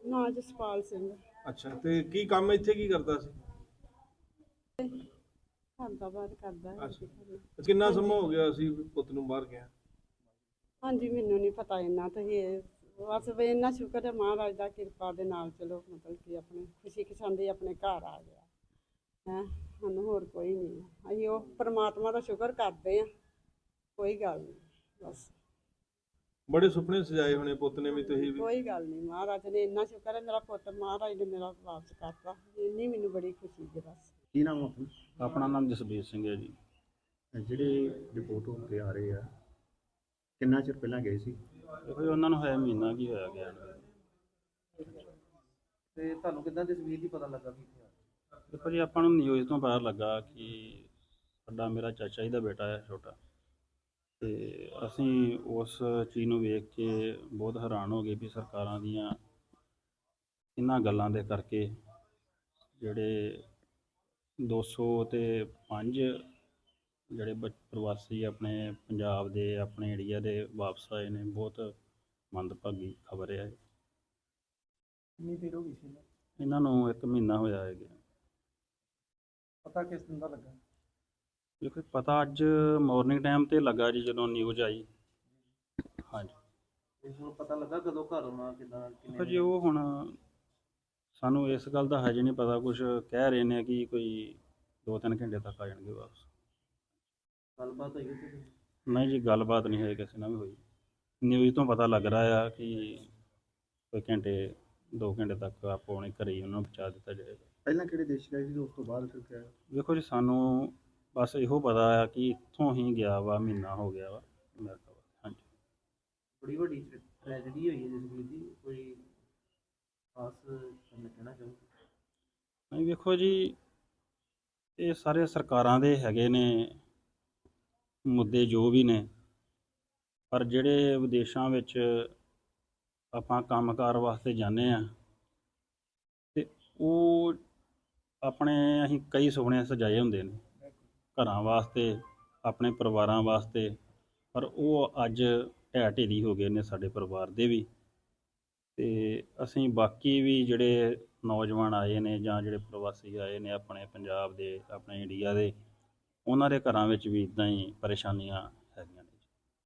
ਨਾ ਜਸਪਾਲ ਸਿੰਘ। ਅੱਛਾ, ਤੇ ਕੀ ਕੰਮ ਇੱਥੇ ਕੀ ਕਰਦਾ ਸੀ? ਘਰ ਦਾ ਬਾਹਰ ਕਰਦਾ ਹੈ ਅੱਛਾ, ਕੀ ਕਰਨਾ। ਕਿੰਨਾ ਹਾਂਜੀ ਸਮਾਂ ਹੋ ਗਿਆ ਸੀ ਪੁੱਤ ਨੂੰ ਬਾਹਰ ਗਿਆ? ਹਾਂਜੀ, ਮੈਨੂੰ ਨਹੀਂ ਪਤਾ ਇੰਨਾ ਤਾਂ ਇਹ ਬਸ ਵੀ ਇੰਨਾ ਸ਼ੁਕਰ ਹੈ ਮਹਾਰਾਜ ਦਾ ਕਿਰਪਾ ਦੇ ਨਾਲ, ਚਲੋ ਮਤਲਬ ਕਿ ਆਪਣੇ ਖੁਸ਼ੀ ਖਸ਼ਾਂਦੀ ਆਪਣੇ ਘਰ ਆ ਗਿਆ ਹੈ। ਸਾਨੂੰ ਹੋਰ ਕੋਈ ਨਹੀਂ, ਅਸੀਂ ਉਹ ਪਰਮਾਤਮਾ ਦਾ ਸ਼ੁਕਰ ਕਰਦੇ ਹਾਂ, ਕੋਈ ਗੱਲ ਨਹੀਂ ਬਸ। ਬੜੇ ਸੁਪਨੇ ਸਜਾਏ ਹੋਣੇ ਪੁੱਤ ਨੇ ਵੀ, ਤੁਸੀਂ ਵੀ। ਕੋਈ ਗੱਲ ਨਹੀਂ, ਮਹਾਰਾਜ ਨੇ ਇੰਨਾ ਸ਼ੁਕਰ ਹੈ ਮੇਰਾ ਪੁੱਤ ਮਹਾਰਾਜ ਨੇ ਮੇਰਾ ਵਾਪਸ ਕਰਤਾ, ਇੰਨੀ ਮੈਨੂੰ ਬੜੀ ਖੁਸ਼ੀ ਹੈ ਬਸ। ਕੀ ਨਾਮ ਆ ਆਪਣਾ? ਆਪਣਾ ਨਾਮ ਜਸਬੀਰ ਸਿੰਘ ਹੈ ਜੀ। ਜਿਹੜੇ ਰਿਪੋਰਟ ਹੋ ਕੇ ਆ ਰਹੇ ਆ, ਕਿੰਨਾ ਚਿਰ ਪਹਿਲਾਂ ਗਏ ਸੀ? ਦੇਖੋ ਜੀ, ਉਹਨਾਂ ਨੂੰ ਹੋਇਆ ਮਹੀਨਾ ਕੀ ਹੋਇਆ ਗਿਆ ਨੂੰ। ਤੇ ਤੁਹਾਨੂੰ ਕਿੱਦਾਂ ਤਸਵੀਰ ਦੀ ਪਤਾ ਲੱਗਾ ਵੀ ਇੱਥੇ ਆ? ਦੇਖੋ ਜੀ, ਆਪਾਂ ਨੂੰ ਨਿਊਜ਼ ਤੋਂ ਪਤਾ ਲੱਗਾ ਕਿ ਸਾਡਾ ਮੇਰਾ ਚਾਚਾ ਜੀ ਦਾ ਬੇਟਾ ਹੈ ਛੋਟਾ, ਤੇ ਅਸੀਂ ਉਸ ਚੀਜ਼ ਨੂੰ ਵੇਖ ਕੇ ਬਹੁਤ ਹੈਰਾਨ ਹੋ ਗਏ ਵੀ ਸਰਕਾਰਾਂ ਦੀਆਂ ਇਹਨਾਂ ਗੱਲਾਂ ਦੇ ਕਰਕੇ ਜਿਹੜੇ 205 ਜਿਹੜੇ ਪ੍ਰਵਾਸੀ ਆਪਣੇ ਪੰਜਾਬ ਦੇ ਆਪਣੇ ਏਰੀਆ ਦੇ ਵਾਪਸ ਆਏ ਨੇ, ਬਹੁਤ ਮੰਦਭਾਗੀ ਖਬਰ ਹੈ। ਕਿੰਨੀ ਦੇਰ ਹੋ ਗਈ ਸੀ ਇਹਨੂੰ? ਇਹਨਾਂ ਨੂੰ 1 ਮਹੀਨਾ ਹੋਇਆ ਹੈ ਗਿਆ। ਪਤਾ ਕਿਸ ਦਿਨ ਦਾ ਲੱਗਾ? ਦੇਖੋ ਪਤਾ ਅੱਜ ਮਾਰਨਿੰਗ ਟਾਈਮ ਤੇ ਲੱਗਾ ਜੀ, ਜਦੋਂ ਨਿਊਜ਼ ਆਈ। ਹਾਂਜੀ, ਤੇ ਹੁਣ ਪਤਾ ਲੱਗਾ ਕਦੋਂ ਘਰ ਆਉਣਾ, ਕਿੱਦਾਂ ਦੇਖੋ ਜੀ, ਉਹ ਹੁਣ ਸਾਨੂੰ ਇਸ ਗੱਲ ਦਾ ਹਜੇ ਨਹੀਂ ਪਤਾ। ਕੁਝ ਕਹਿ ਰਹੇ ਨੇ ਕਿ ਕੋਈ 2-3 ਘੰਟੇ ਤੱਕ ਆ ਜਾਣਗੇ ਵਾਪਸ। ਗੱਲਬਾਤ ਹੋਈ ਉੱਥੇ? ਨਹੀਂ ਜੀ, ਗੱਲਬਾਤ ਨਹੀਂ ਹੋਈ ਕਿਸੇ ਨਾਲ ਵੀ ਹੋਈ। ਨਿਊਜ਼ ਤੋਂ ਪਤਾ ਲੱਗ ਰਿਹਾ ਆ ਕਿ ਕੋਈ 2 ਘੰਟੇ ਤੱਕ ਆਪੋ ਆਪਣੇ ਘਰੇ ਹੀ ਉਹਨਾਂ ਨੂੰ ਪਹੁੰਚਾ ਦਿੱਤਾ ਜਾਏਗਾ। ਪਹਿਲਾਂ ਕਿਹੜੇ ਦੇਸ਼ ਗਏ ਸੀ, ਉਸ ਤੋਂ ਬਾਅਦ ਫਿਰ ਕਿਹਾ? ਦੇਖੋ ਜੀ, ਸਾਨੂੰ ਬਸ ਇਹੋ ਪਤਾ ਆ ਕਿ ਇੱਥੋਂ ਹੀ ਗਿਆ ਵਾ, ਮਹੀਨਾ ਹੋ ਗਿਆ ਵਾ ਅਮਰੀਕਾ ਵਾ। ਹਾਂਜੀ, ਬੜੀ ਵੱਡੀ ਟ੍ਰੈਜਡੀ ਹੋਈ ਹੈ ਜਸਵੀਰ ਦੀ, ਕੋਈ ਖਾਸ ਕਹਿਣਾ ਚਾਹੋ? ਨਹੀਂ ਵੇਖੋ ਜੀ, ਇਹ ਸਾਰੇ ਸਰਕਾਰਾਂ ਦੇ ਹੈਗੇ ਨੇ ਮੁੱਦੇ ਜੋ ਵੀ ਨੇ, ਪਰ ਜਿਹੜੇ ਵਿਦੇਸ਼ਾਂ ਵਿੱਚ ਆਪਾਂ ਕੰਮਕਾਰ ਵਾਸਤੇ ਜਾਂਦੇ ਆ, ਤੇ ਉਹ ਆਪਣੇ ਅਸੀਂ ਕਈ ਸੁਪਨੇ ਸਜਾਏ ਹੁੰਦੇ ਨੇ ਘਰਾਂ ਵਾਸਤੇ, ਆਪਣੇ ਪਰਿਵਾਰਾਂ ਵਾਸਤੇ, ਪਰ ਉਹ ਅੱਜ ਢਹਿ ਢੇਰੀ ਹੋ ਗਏ ਨੇ ਸਾਡੇ ਪਰਿਵਾਰ ਦੇ ਵੀ। ਤੇ ਅਸੀਂ ਬਾਕੀ ਵੀ ਜਿਹੜੇ ਨੌਜਵਾਨ ਆਏ ਨੇ ਜਾਂ ਜਿਹੜੇ ਪ੍ਰਵਾਸੀ ਆਏ ਨੇ ਆਪਣੇ ਪੰਜਾਬ ਦੇ, ਆਪਣੇ ਇੰਡੀਆ ਦੇ, ਉਹਨਾਂ ਦੇ ਘਰਾਂ ਵਿੱਚ ਵੀ ਇੱਦਾਂ ਹੀ ਪਰੇਸ਼ਾਨੀਆਂ